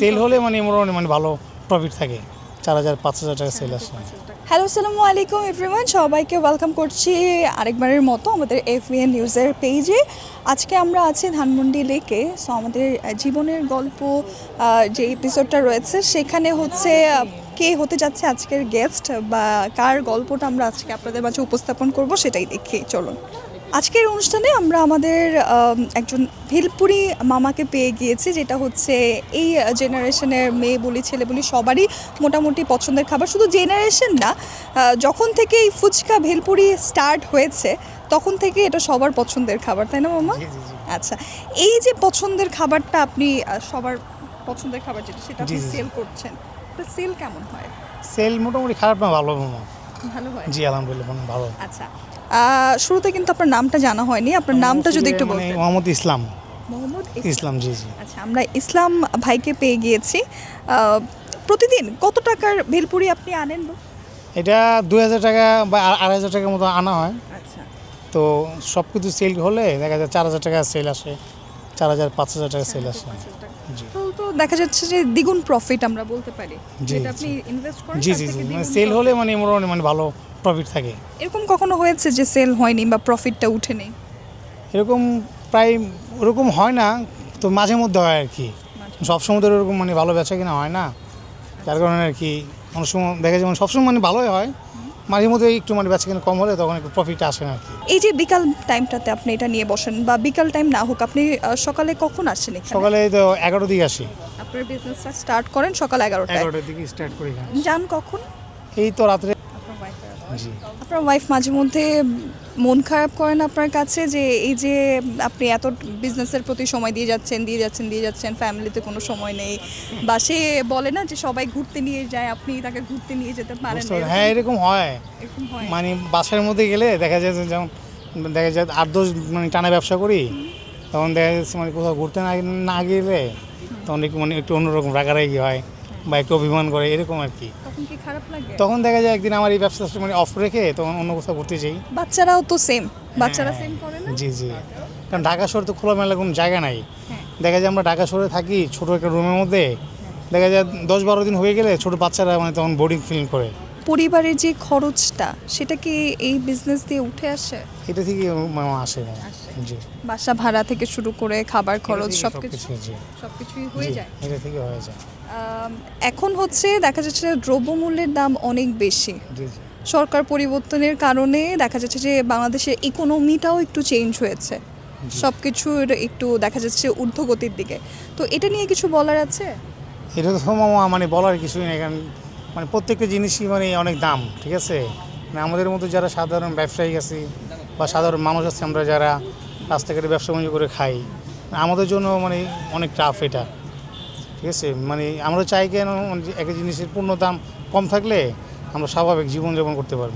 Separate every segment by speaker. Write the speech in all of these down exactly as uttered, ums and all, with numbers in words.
Speaker 1: Sell হলে মানে মোটামুটি মানে ভালো প্রফিট থাকে, চার হাজার পাঁচ হাজার টাকা সেল আসে।
Speaker 2: হ্যালো, আসসালামু আলাইকুম এভরিওয়ান, সবাইকে ওয়েলকাম করছি আরেকবারের মতো আমাদের এফবিএন নিউজের পেজে। আজকে আমরা আছি ধানমন্ডি লেকে। সো আমাদের জীবনের গল্প আহ, যে এপিসোডটা রয়েছে সেখানে হচ্ছে আহ, কে হতে যাচ্ছে আজকের গেস্ট বা কার গল্পটা আমরা আজকে আপনাদের মাঝে উপস্থাপন করব সেটাই দেখি, চলুন। আজকের অনুষ্ঠানে আমরা আমাদের আম, একজন ভেলপুরি মামাকে পেয়ে গিয়েছি, যেটা হচ্ছে এই জেনারেশনের মেয়ে বলি ছেলে বলি সবারই মোটামুটি পছন্দের খাবার। শুধু জেনারেশন না, আহ, যখন থেকে এই ফুচকা ভেলপুরি স্টার্ট হয়েছে তখন থেকে এটা সবার পছন্দের খাবার, তাই না মামা?
Speaker 1: জি, জি, জি।
Speaker 2: আচ্ছা, এই যে পছন্দের খাবারটা আপনি আহ, সবার পছন্দের খাবার যেটা সেটা আপনি
Speaker 1: জি, জি, জি।
Speaker 2: সেল করছেন, তো সেল কেমন হয়?
Speaker 1: সেল মোটামুটি খারাপ না, ভালো মামা।
Speaker 2: ভালো হয়।
Speaker 1: জি আলহামদুলিল্লাহ মানে ভালো।
Speaker 2: আচ্ছা, আহ, শুরুতে কিন্তু আপনার নামটা জানা হয়নি, আপনার নামটা যদি একটু
Speaker 1: মানে
Speaker 2: বলতেন।
Speaker 1: মোহাম্মদ ইসলাম।
Speaker 2: মোহাম্মদ
Speaker 1: ইসলাম, জি জি।
Speaker 2: আচ্ছা, আমরা ইসলাম ভাইকে পেয়ে গিয়েছি। আহ, প্রতিদিন কত টাকার ভেলপুরি আপনি আনেন?
Speaker 1: এটা দুই হাজার টাকা বা আ- আড়াই হাজার টাকার মতো আনা হয়।
Speaker 2: আচ্ছা,
Speaker 1: তো সব কিছু সেল হলে দেখা যায় চার হাজার টাকা সেল আসে, চার হাজার পাঁচ হাজার টাকা সেল আসে। জি
Speaker 2: তো তো দেখা যাচ্ছে যে দ্বিগুণ প্রফিট আমরা বলতে পারি,
Speaker 1: জি,
Speaker 2: যেটা আপনি
Speaker 1: জি।
Speaker 2: ইনভেস্ট করেন
Speaker 1: জি
Speaker 2: তার
Speaker 1: জি
Speaker 2: থেকে
Speaker 1: জি মানে
Speaker 2: দ্বিগুণ
Speaker 1: সেল
Speaker 2: profit।
Speaker 1: হলে মানে মোটামুটি মানে ভালো প্রফিট থাকে।
Speaker 2: এরকম কখনো হয়েছে যে সেল হয়নি বা প্রফিটটা উঠে নেই?
Speaker 1: এরকম প্রায় ওরকম হয় না, তো মাঝে মধ্যে হয় আর কি। সবসময় তো এরকম মানে ভালো বেচা কিনা হয় না, যার কারণে আর কি অনেক সময় দেখা যায় মানে সবসময় মানে ভালোই হয়, মাঝে মধ্যে একটু মানে বেচা কিনা কম হলে তখন একটু প্রফিট আসে না আর কি।
Speaker 2: এই যে বিকাল টাইমটাতে আপনি এটা নিয়ে বসেন, বা বিকাল টাইম না হোক, আপনি আহ, সকালে কখন আসছেন এখানে?
Speaker 1: সকালে তো এগারোটার দিকে আসি,
Speaker 2: আপনার বিজনেসটা স্টার্ট করেন সকাল এগারোটায়,
Speaker 1: এগারোটার দিকে স্টার্ট করি এখানে।
Speaker 2: যান কখন?
Speaker 1: এই তো রাত্রে।
Speaker 2: আপনার ওয়াইফের
Speaker 1: জি
Speaker 2: আপনার ওয়াইফ মাঝে মধ্যে মন খারাপ করেন আপনার কাছে যে এই যে আপনি এত বিজনেসের প্রতি সময় দিয়ে যাচ্ছেন দিয়ে যাচ্ছেন দিয়ে যাচ্ছেন, ফ্যামিলিতে কোনো সময় নেই, বা সে বলে না যে সবাই ঘুরতে নিয়ে যায়, আপনি তাকে ঘুরতে নিয়ে যেতে পারেন
Speaker 1: বুঝতে
Speaker 2: না,
Speaker 1: পারছি। হ্যাঁ এরকম হয়,
Speaker 2: এরকম হয়?
Speaker 1: মানে বাসার মধ্যে গেলে দেখা যায় যে যেমন দেখা যায় আট দশ মানে টানা ব্যবসা করি, তখন দেখা যাচ্ছে মানে কোথাও ঘুরতে না না গেলে তখন একটু মানে একটু অন্যরকম রাগারাগি হয় বা একটু অভিমান করে এরকম আর কি।
Speaker 2: তখন কি খারাপ লাগে?
Speaker 1: তখন দেখা যায় একদিন আমার এই ব্যবসা মানে অফ রেখে তখন অন্য কোথাও ঘুরতে যাই।
Speaker 2: বাচ্চারাও তো সেম, বাচ্চারা
Speaker 1: হ্যাঁ,
Speaker 2: সেম করে না?
Speaker 1: জি জি। কারণ ঢাকা শহরে তো খোলামেলা কোনো জায়গা নাই।
Speaker 2: হ্যাঁ।
Speaker 1: দেখা যায় আমরা ঢাকা শহরে থাকি ছোটো একটা রুমের মধ্যে, দেখা যায় দশ বারো দিন হয়ে গেলে ছোটো বাচ্চারা মানে তখন বোর্ডিং ফিল করে।
Speaker 2: পরিবারের যে খরচটা সেটা কি এই বিজনেস দিয়ে উঠে আসে?
Speaker 1: এটা থেকে মামা আসে না। জি
Speaker 2: বাসা ভাড়া থেকে শুরু করে খাবার খরচ সব কিছু
Speaker 1: সবকিছু, জি
Speaker 2: সব কিছুই হয়ে
Speaker 1: জি,
Speaker 2: যায়।
Speaker 1: এটা থেকে হয়ে যায়।
Speaker 2: আম, এখন হচ্ছে দেখা যাচ্ছে যে দ্রব্যমূল্যের দাম অনেক বেশি।
Speaker 1: জি জি
Speaker 2: সরকার পরিবর্তনের কারণে দেখা যাচ্ছে যে বাংলাদেশের ইকোনমিটাও একটু চেঞ্জ হয়েছে, সব কিছুর একটু দেখা যাচ্ছে ঊর্ধ্বগতির দিকে। তো এটা নিয়ে কিছু বলার আছে?
Speaker 1: এটা তো মামা মানে বলার কিছুই নেই, কারণ মানে প্রত্যেকটা জিনিসই মানে অনেক দাম, ঠিক আছে। মানে আমাদের মতো যারা সাধারণ ব্যবসায়ী আছি বা সাধারণ মানুষ আছে, আমরা যারা রাস্তাঘাটে ব্যবসা বাণিজ্য করে খাই, আমাদের জন্য মানে অনেক টাফ এটা, ঠিক আছে। মানে আমরা চাই কেন মানে যে একটা জিনিসের পূর্ণ দাম কম থাকলে আমরা স্বাভাবিক জীবনযাপন করতে পারবো।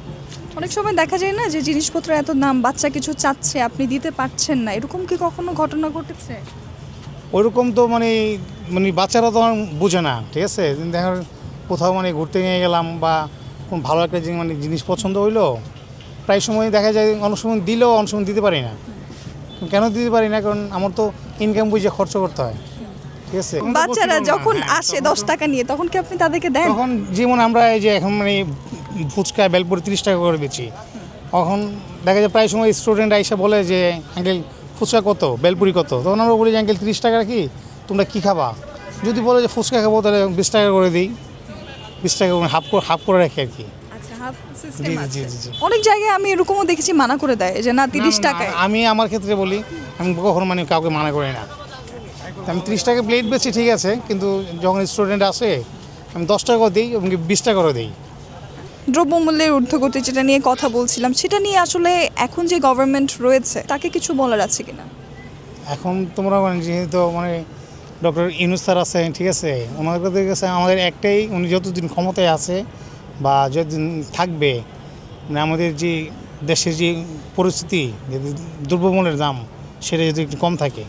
Speaker 2: অনেক সময় দেখা যায় না যে জিনিসপত্র এত দাম, বাচ্চা কিছু চাচ্ছে আপনি দিতে পারছেন না, এরকম কি কখনো ঘটনা ঘটেছে?
Speaker 1: ওইরকম তো মানে মানে বাচ্চারা তো বোঝে না, ঠিক আছে। দেখা কোথাও মানে ঘুরতে নিয়ে গেলাম বা কোন ভালো একটা জিনিস মানে জিনিস পছন্দ হইলো, প্রায় সময় দেখা যায় অনেক সময় দিলেও অনেক সময় দিতে পারি না। কেন দিতে পারি না? কারণ আমার তো ইনকাম বুঝে খরচ করতে হয়, ঠিক আছে।
Speaker 2: বাচ্চারা যখন
Speaker 1: হ্যাঁ,
Speaker 2: আসে
Speaker 1: তখন
Speaker 2: দশ
Speaker 1: তো-
Speaker 2: টাকা নিয়ে, তখন কি আপনি তাদেরকে দেন?
Speaker 1: তখন যেমন আমরা এই যে এখন মানে ফুচকা বেলপুরি তিরিশ টাকা করে বেচি, তখন দেখা যায় প্রায় সময় স্টুডেন্ট আইসা বলে যে আঙ্কেল ফুচকা কত, বেলপুরি কত, তখন আমরা বলি যে আঙ্কেল তিরিশ টাকা কি, তোমরা কী খাবা? যদি বলে যে ফুচকা খাবো তাহলে বিশ টাকা করে দিই, বিশ টাকা করে হাফ করে হাফ করে রাখি আর কি।
Speaker 2: আচ্ছা, হাফ
Speaker 1: জি,
Speaker 2: সিস্টেম
Speaker 1: জি,
Speaker 2: আছে।
Speaker 1: জি, জি, জি।
Speaker 2: অনেক জায়গায় আমি এরকমও দেখেছি মানা করে দেয় যে না তিরিশ
Speaker 1: না, না,
Speaker 2: টাকায়।
Speaker 1: আমি আমার ক্ষেত্রে বলি, আমি কখনো মানে কাউকে মানা করি না। তো আমি তিরিশ টাকা প্লেট বেচি, ঠিক আছে, কিন্তু যখন স্টুডেন্ট আসে আমি দশ টাকা দিই এবং বিশ টাকা করে দিই।
Speaker 2: দ্রব্যমূল্যের ঊর্ধ্বগতি যেটা নিয়ে কথা বলছিলাম, সেটা নিয়ে আসলে এখন যে গভর্নমেন্ট রয়েছে তাকে কিছু বলার আছে কিনা?
Speaker 1: এখন তোমরা মানে যেহেতু মানে ডক্টর ইউনূস স্যার আছে, ঠিক আছে, ওনাদের কাছে আমাদের একটাই, উনি যতদিন ক্ষমতায় আছে বা যতদিন থাকবে, মানে আমাদের যে দেশের যে পরিস্থিতি, যদি দ্রব্যমূল্যের দাম সেটা যদি একটু কম থাকে,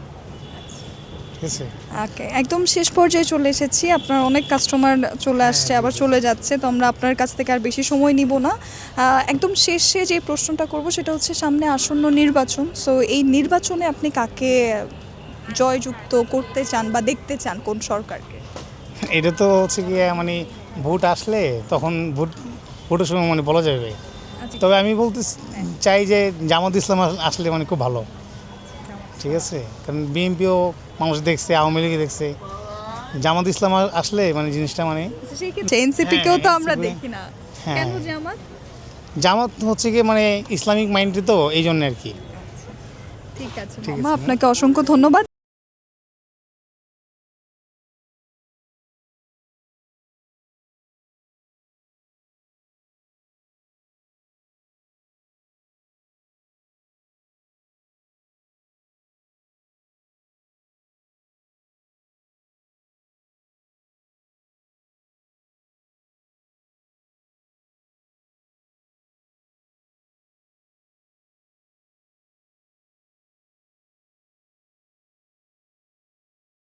Speaker 1: ঠিক আছে।
Speaker 2: ওকে, একদম শেষ পর্যায়ে চলে এসেছি। আপনার অনেক কাস্টমার চলে আসছে, আবার চলে যাচ্ছে, তো আমরা আপনার কাছ থেকে আর বেশি সময় নিব না। আহ, একদম শেষে যে প্রশ্নটা করব সেটা হচ্ছে সামনে আসন্ন নির্বাচন। সো এই নির্বাচনে আপনি কাকে জয়যুক্ত করতে চান বা দেখতে চান কোন সরকারকে?
Speaker 1: এটা তো হচ্ছে গিয়ে মানে ভোট আসলে তখন ভোট ভোটের সময় মানে বলা যাবে। তবে আমি বলতে চাই যে জামাত ইসলাম আস- আসলে মানে খুব ভালো, ঠিক আছে? কারণ বিএনপিও মানুষ দেখছে, আওয়ামী লীগ দেখছে, জামাত ইসলাম আ- আসলে মানে জিনিসটা মানে
Speaker 2: এনসিপি কেও তো
Speaker 1: হ্যাঁ,
Speaker 2: আমরা
Speaker 1: N C P
Speaker 2: দেখি না,
Speaker 1: হ্যাঁ।
Speaker 2: কেন জামাত?
Speaker 1: জামাত হচ্ছে গিয়ে মানে ইসলামিক মাইন্ডে তো এই জন্য আর কি।
Speaker 2: ঠিক আছে
Speaker 1: ঠিক
Speaker 2: মামা,
Speaker 1: আছে।
Speaker 2: আপনাকে অসংখ্য ধন্যবাদ।